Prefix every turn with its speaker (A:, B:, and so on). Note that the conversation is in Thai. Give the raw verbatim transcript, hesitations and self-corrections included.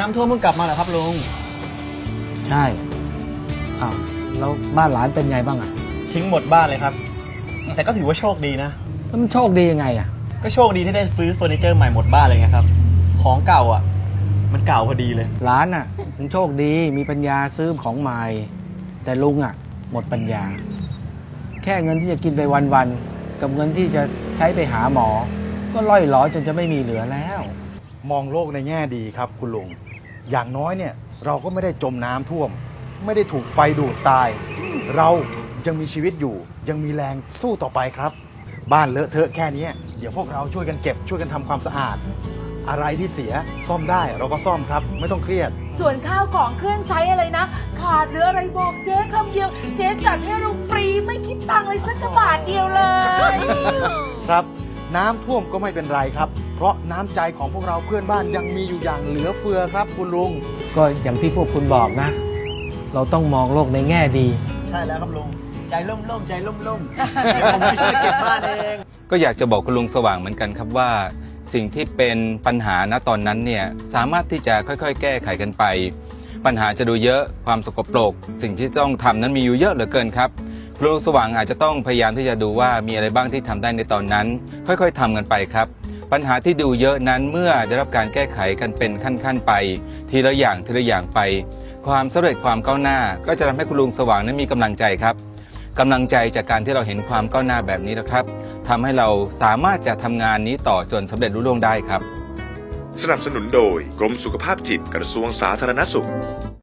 A: ำท่วมเพิ่งกลับมาเหรอครับลุง
B: ใช่อ้าวแล้วบ้านหลานเป็นไงบ้างอ่ะ
A: ทิ้งหมดบ้านเลยครับแต่ก็ถือว่าโชคดีนะ
B: แล้วมันโชคดียังไงอ่ะ
A: ก็โชคดีที่ได้ซื้อเฟอร์นิเจอร์ใหม่หมดบ้านเลยไงครับของเก่าอ่ะมันเก่าพอดีเลย
B: หลานอ่ะมันโชคดีมีปัญญาซื้อของใหม่แต่ลุงอ่ะหมดปัญญาแค่เงินที่จะกินไปวันๆกับเงินที่จะใช้ไปหาหมอก็ล่อยหลอจนจะไม่มีเหลือแล้ว
C: มองโลกในแง่ดีครับคุณลุงอย่างน้อยเนี่ยเราก็ไม่ได้จมน้ำท่วมไม่ได้ถูกไฟดูดตายเรายังมีชีวิตอยู่ยังมีแรงสู้ต่อไปครับบ้านเลอะเทอะแค่นี้เดี๋ยวพวกเราช่วยกันเก็บช่วยกันทำความสะอาดอะไรที่เสียซ่อมได้เราก็ซ่อมครับไม่ต้องเครียด
D: ส่วนข้าวของเครื่องใช้อะไรนะขาดหรืออะไรบอกเจ๊คำเดียวเจ๊จัดให้เราฟรีไม่คิดตังค์เลยสักกระบาทเดียวเลย
C: ครับน้ำท่วมก็ไม่เป็นไรครับเพราะน้ำใจของพวกเราเพื่อนบ้านยังมีอยู่อย่างเหลือเฟือครับคุณลุง
B: ก็อย่างที่พวกคุณบอกนะเราต้องมองโลกในแง่ดี
A: ใช่แล้วครับลุงใจล่มล่มใจล่มล่มเดี๋ยวผมไปช่วยเก็บบ้านเอง
E: ก็อยากจะบอกคุณลุงสว่างเหมือนกันครับว่าสิ่งที่เป็นปัญหาณตอนนั้นเนี่ยสามารถที่จะค่อยๆแก้ไขกันไปปัญหาจะดูเยอะความสกปรกสิ่งที่ต้องทำนั้นมีอยู่เยอะเหลือเกินครับคุณลุงสว่างอาจจะต้องพยายามที่จะดูว่ามีอะไรบ้างที่ทำได้ในตอนนั้นค่อยๆทำกันไปครับปัญหาที่ดูเยอะนั้นเมื่อได้รับการแก้ไขกันเป็นขั้นๆไปทีละอย่างทีละอย่างไปความสำเร็จความก้าวหน้าก็จะทำให้คุณลุงสว่างนั้นมีกำลังใจครับกำลังใจจากการที่เราเห็นความก้าวหน้าแบบนี้นะครับทำให้เราสามารถจะทำงานนี้ต่อจนสำเร็จรุ่ล่วงได้ครับ
F: สนับสนุนโดยกรมสุขภาพจิตกระทรวงสาธารณสุข